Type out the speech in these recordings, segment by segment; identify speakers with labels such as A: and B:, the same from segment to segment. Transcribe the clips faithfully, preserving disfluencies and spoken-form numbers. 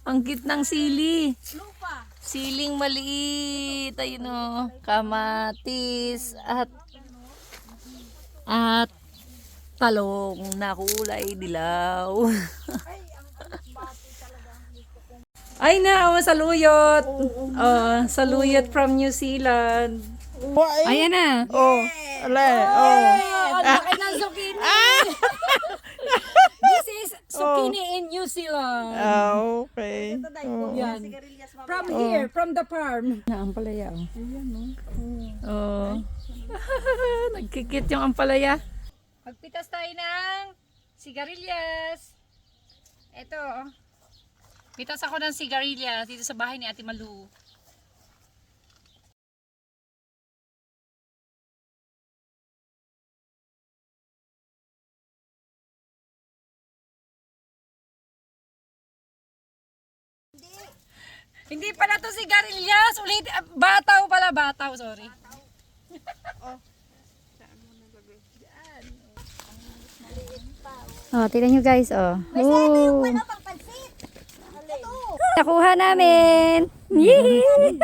A: Ang cute ng sili. Siling maliit. Ayun o. Kamatis. At at talong na kulay dilaw. Ay na, oh, saluyot. Oh, saluyot from New Zealand. Ayan na.
B: Oh, ala, oh.
A: Ang laki ng zucchini. This is zucchini in New Zealand.
B: Ah, okay.
A: Yan. From here, from the farm. Na ampalaya. Oh. Nagkikit yung ampalaya. Magpitas tayo ng sigarilyas. Ito. Pitas ako ng sigarilyas dito sa bahay ni Ate Malu. Hindi pala to sigarilyas. Ulit, ah, bataw pala, bataw, sorry. Oh, tignan nyo guys, oh. Oh. Nakuha namin. Yee!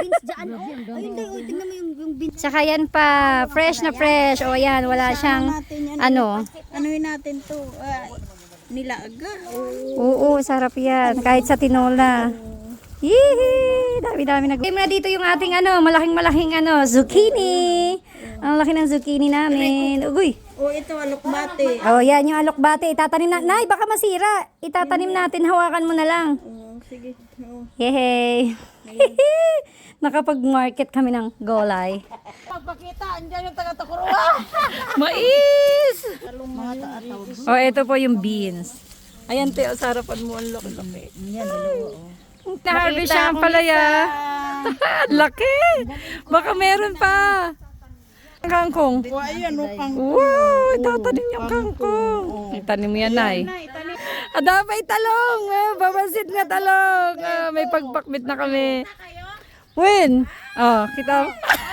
A: Tsaka yan pa, fresh na fresh. O yan, wala siyang, ano.
C: Anuhin natin to, uh, nilaga.
A: Oo, sarap yan. Kahit sa tinola. Yee! Dami-dami nag- Game na dito yung ating ano, malaking-malaking ano, zucchini. Ang laki ng zucchini namin. Ugoy.
C: O ito, alokbate.
A: Oh, yan yung alokbate. Itatanim na. Nay, baka masira. Itatanim natin. Hawakan mo na lang.
C: O, sige. O.
A: Yehey. Nakapag-market kami ng gulay.
C: Pagpakita, andyan yung taga-takuruwa.
A: Mais!
C: Mga taataw.
A: Oh, ito po yung beans. Ayan, te, oh, sarapan mo. Ang laki-laki.
C: Yan, dalawa o.
A: Na-harvest siya ang palaya. Laki! Baka meron pa. Kangkong.
C: O, ayan o, pang...
A: Wow, itatanim yung kangkong. Itanim mo yan, Nay. Adapay talong. Ah, babasit nga talong. Ah, may pagpakbit na kami. When? Oh, kita.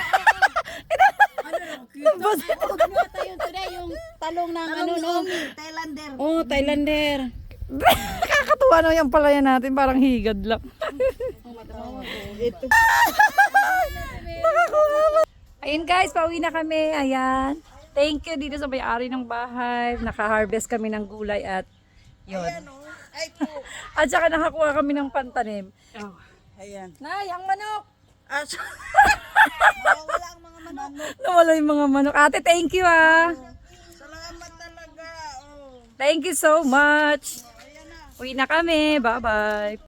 C: Ano tayo today, yung talong ng ano, no? Thailander. Oh, Thailander.
A: Nakakatuwa na yung palaya natin. Parang higad lang.
C: Ito.
A: Ayun guys, pauwi na kami. Ayan. Thank you dito sa may-ari ng bahay. Naka-harvest kami ng gulay at yun.
C: Ay po.
A: At saka nakakuha kami ng pantanim. Oh.
C: Ayan.
A: Nay, ang manok!
C: Ah, so- wala ang mga manok.
A: Nawala yung mga manok. Ate, thank you ah.
C: Salamat talaga. Oh.
A: Thank you so much. Uwi na kami. Bye-bye.